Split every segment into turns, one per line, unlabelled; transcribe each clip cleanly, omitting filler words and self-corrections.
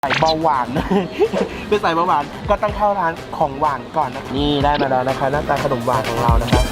สายเบาหวาน เป็นสายเบาหวานก็ต้องเข้าร้านของหวานก่อนนะนี่ได้มาแล้วนะคะหน้าตาขนมหวานของเรานะครับ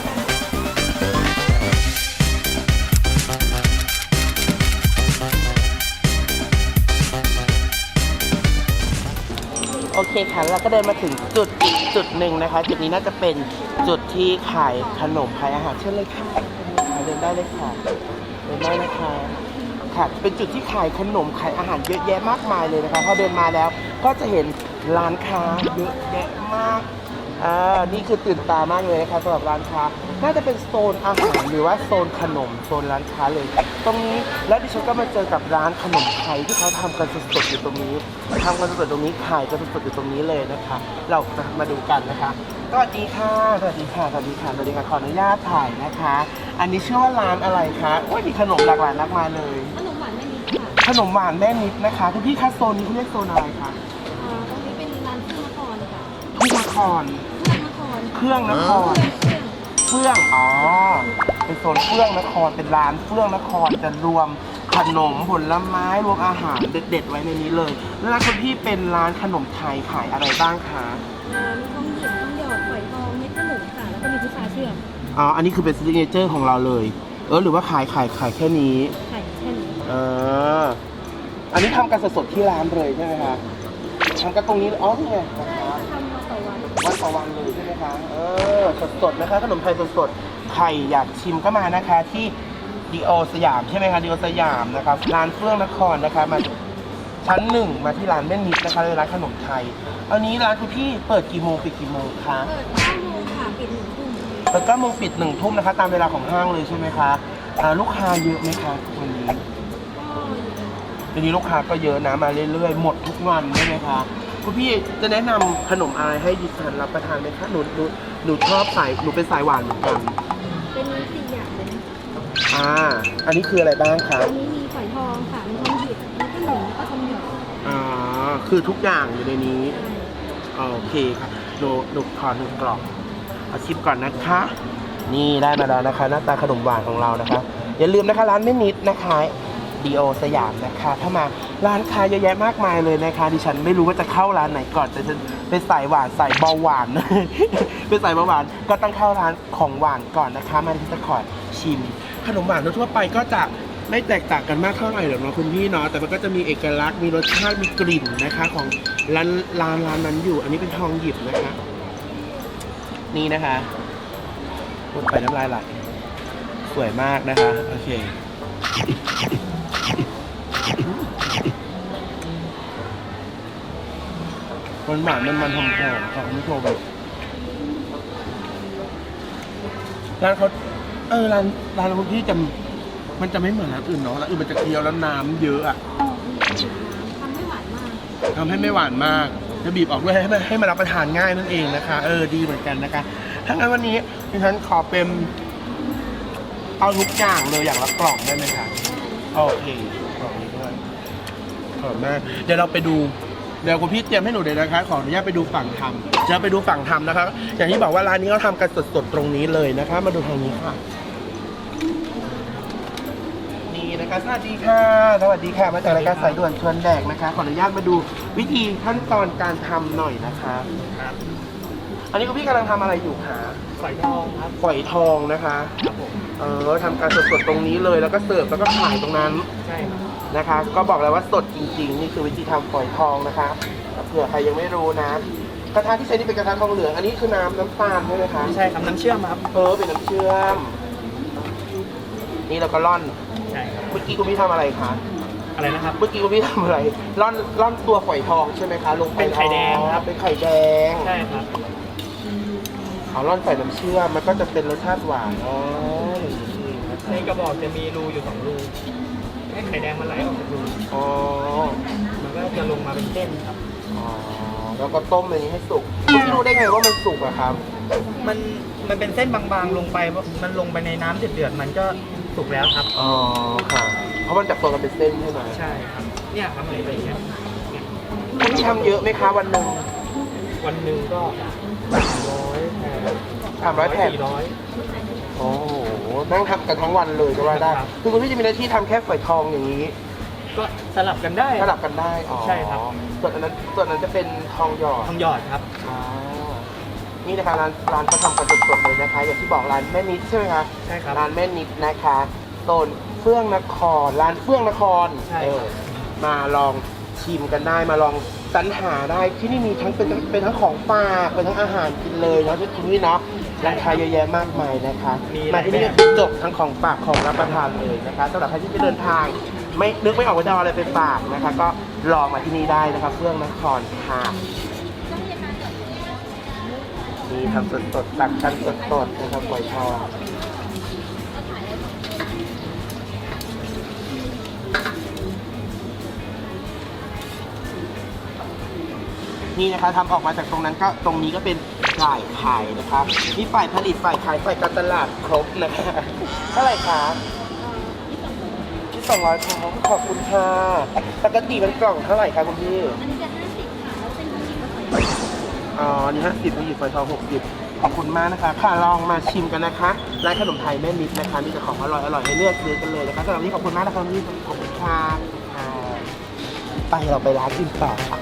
โอเคค่ะเราก็เดินมาถึงจุดหนึ่งนะคะจุดนี้น่าจะเป็นจุดที่ขายขนมขายอาหารเช่นเลยค่ะเดินได้เลยค่ะเดินได้นะคะค่ะเป็นจุดที่ขายขนมขายอาหารเยอะแยะมากมายเลยนะคะพอเดินมาแล้วก็จะเห็นร้านค้าเยอะแยะมากนี่คือตื่นตามากเลยนะคะสำหรับร้านค้าน่าจะเป็นโซนอาหารหรือว่าโซนขนมโซนร้านค้าเลยตรงนี้แล้วดิฉันก็มาเจอกับร้านขนมไทยที่เขาทำกันสดๆอยู่ตรงนี้ทำกันสดๆตรงนี้ขายกันสดๆอยู่ตรงนี้เลยนะคะเราจะมาดูกันนะคะสวัสดีค่ะสวัสดีค่ะสวัสดีค่ะสวัสดีค่ะขออนุญาตถ่ายนะคะอันนี้ชื่อว่าร้านอะไรคะโอ้ยมีขนมหลากหลายมากมายเลย
ขนมหวานแม่นิดค่ะ
ขนมหวานแม่นิดนะคะคุณพี่คะโซนนี้เขาเรียกโซนอะไรคะ
ตรงนี้เป็นร้านเครื่องนครค่ะ
เครื่องนครเครื่องนครเฟื่องอ๋อเป็นโซนเฟื่องนครเป็นร้านเฟื่องนครจะรวมขนมผลไม้รวมอาหารเด็ดๆไว้ในนี้เลยแล้วร้านคุณพี่เป็นร้านขนมไทยขายอะไรบ้างคะ
มีทองหยิบทองหยอดฝอยทองเม็ดขนุนค่ะแล้วก็มีพุทราเชื่อม
อ๋ออันนี้คือเป็นซิกเนเจอร์ของเราเลยหรือว่าขายแค่นี้
ขายแค่นี้
อันนี้ทำกันสดๆที่ร้านเลยใช่ไหมคะทำกันตรงนี้อ๋อนี่ไง
ทำมาต่อวัน
ต่อวันเลยใช่ไหมคะสดๆนะคะขนมไทยสดๆใครอยากชิมก็มานะคะที่ดีโอสยามใช่ไหมคะดีโอสยามนะครับร้านเฟื่องนครนะคะมาชั้น1มาที่ร้านแม่นิดนะคะเลยร้านขนมไทยอันนี้ร้านคุณพี่เปิดกี่โมงปิดกี่โมงคะ
เปิด9 โมงค่ะปิด1 ทุ่ม
เปิด9 โมงปิด1 ทุ่มนะคะตามเวลาของห้างเลยใช่ไหมคะลูกค้าเยอะไหมคะวันนี้วันนี้ลูกค้าก็เยอะนะมาเรื่อยๆหมดทุกวันใช่ไหมคะคุณพี่จะแนะนำขนมอะไรให้ดิฉันรับประทานไหมคะหนูชอบหนูเป็นสายหวานเหมือนกัน
เป็น4 อย่างเลย
อันนี้คืออะไรบ้างคะ
อันนี้มีฝอยทองค่ะมีทองหยิบมีขนุนแล้วก็ทองหยอด
คือทุกอย่างอยู่ในนี้โอเคค่ะหนูขอ1 กล่องเอาชิมก่อนนะคะนี่ได้มาแล้วนะคะหน้าตาขนมหวานของเรานะคะอย่าลืมนะคะร้านแม่นิดนะคะดีโอสยามนะคะถ้ามาร้านค้าเยอะแยะมากมายเลยนะคะดิฉันไม่รู้ว่าจะเข้าร้านไหนก่อนแต่ฉันเป็นสายหวานสายเบาหวาน เป็นสายเบาหวานก็ต้องเข้าร้านของหวานก่อนนะคะมาที่จะขอชิมขนมหวานทั่วไปก็จะไม่แตกต่างกันมากเท่าไหร่หรอกเนาะคุณพี่เนาะแต่มันก็จะมีเอกลักษณ์มีรสชาติมีกลิ่นนะคะของร้านนั้นอยู่อันนี้เป็นทองหยิบนะคะนี่นะคะพูดไปน้ำลายไหลสวยมากนะคะโอเคมันหวานมันหอมๆค่ะคุณผู้ชมร้านเขาร้านคุณพี่มันจะไม่เหมือนร้านอื่นเนาะร้านอื่นมันจะเคี้ยวแล้วน้ำเยอะอะ
ทำให้หวานมาก
ทำให้ไม่หวานมากจะบีบออกด้วยให้มันรับประทานง่ายนั่นเองนะคะดีเหมือนกันนะคะถ้างั้นวันนี้ดิฉันขอเป็นเอาทุกอย่างเลยอย่างละกล่องได้ไหมคะโอเคกล่องนี้ด้วยขอบคุณมากเดี๋ยวเราไปดูเดี๋ยวคุณพี่เตรียมให้หนูเลยนะคะขออนุญาตไปดูฝั่งทำจะไปดูฝั่งทำนะคะอย่างที่บอกว่าร้านนี้เขาทำกันสดๆตรงนี้เลยนะคะมาดูทางนี้ค่ะนี่นะคะสวัสดีค่ะสวัสดีค่ะมาจากรายการสายด่วนชวนแดกนะคะขออนุญาตมาดูวิธีขั้นตอนการทำหน่อยนะคะครับอันนี้คุณพี่กำลังทำอะไรอยู่คะ
ฝอยทองครับ
ฝอยทองนะคะครับผมทำการสดๆตรงนี้เลยแล้วก็เสิร์ฟแล้วก็ขายตรงนั้น
ใช่ครับ
นะคะก็บอกเลยว่าสดจริงๆนี่คือวิธีทำฝอยทองนะคะเผื่อใครยังไม่รู้นะกระทะที่ใช้นี่เป็นกระทะทองเหลืองอันนี้คือน้ำตาลใช่ไหมคะ
ใช่ครับน้ำเชื่อมครับ
เป็นน้ำเชื่อมนี่เราก็ร่อน
ใช่ครับ
เมื่อกี้คุณพี่ทำอะไรคะ
อะไรนะครับ
เมื่อกี้คุณพี่ทำอะไรร่อนตัวฝอยทองใช่ไหมคะลงไป
เป็นไข่แดงครับ
เป็นไข่แดง
ใช่ครับ
เอาร่อนใส่น้ำเชื่อมมันก็จะเป็นรสชาติหวาน
ในกระบอกจะมีรูอยู่2 รูให้ไข่แดงมันไหลออกจากรูมันก็จะลงมาเป็นเส้นครับ
แล้วก็ต้มในนี้ให้สุกพี่รู้ได้ไงว่ามันสุกอะครับ
มันเป็นเส้นบางๆลงไปมันลงไปในน้ำเดือดๆมันก็สุกแล้วครับ
ค่ะเพราะมันจับตัวกันเป็นเส้นใช่ไหม
ใช่ครับเนี่ยครับอะไรไปอย่างเงี้ย
พี่ทำเยอะไหมคะวันหนึ่ง
ก็
300 แผ่นโอ้โหนั่งทำกันทั้งวันเลยก็ว่าได้คือคุณพี่จะมีหน้าที่ทำแค่ฝอยทองอย่างนี้
ก็สลับกันได้
สลับกันได้อ๋อ
ใช่ครับ
ส่วนอันนั้นจะเป็นทองหยอด
ทองหยอดครับ
อ๋อนี่นะคะร้านเขาทำกันสดๆเลยนะคะ อย่างที่บอกร้านแม่นิดใช่ไหมคะ
ใช่ครับ
ร้านแม่นิดนะคะโซนเฟื่องนครร้านเฟื่องนคร
ใช่ครับ
มาลองชิมกันได้มาลองสรรหาได้ที่นี่มีทั้งเป็นทั้งของฝากเป็นทั้งอาหารกินเลยเนาะที่นี่เนาะราคาเยอะแยะมากมายนะคะมาที่นี่ก็คือจบทั้งของฝากของรับประทานเลยนะคะสำหรับใครที่จะเดินทางไม่นึกไม่ออกว่าจะเอาอะไรไปฝากนะคะ ก็ลองมาที่นี่ได้นะคะเฟื่องนครค่ะมีทำสดๆตักกันสดๆนะครับหอยทอดนี่นะคะทำออกมาจากตรงนั้นก็ตรงนี้ก็เป็นฝ่ายขายนะคะนี่ฝ่ายผลิตฝ่ายขายฝ่ายการตลาดครบนะคะเท่าไหร่คะที่200ค่ะขอบคุณค่ะปกติมันกล่องเท่าไหร่คะคุณพี่
อันนี้จะ50ค่ะแล้วเป็นผู้หญิงกับผู้ชาย
อ๋อ นี่50ผู้หญิงฝอยทอง60ขอบคุณมากนะคะ ค่ะลองมาชิมกันนะคะ ร้านขนมไทยแม่นิดนะคะ มีแต่ของอร่อยๆให้เลือกซื้อกันเลยนะคะสำหรับวันนี้ขอบคุณมากนะคะพี่ขอบคุณค่ะไปเราไปร้านอื่นต่อค่ะ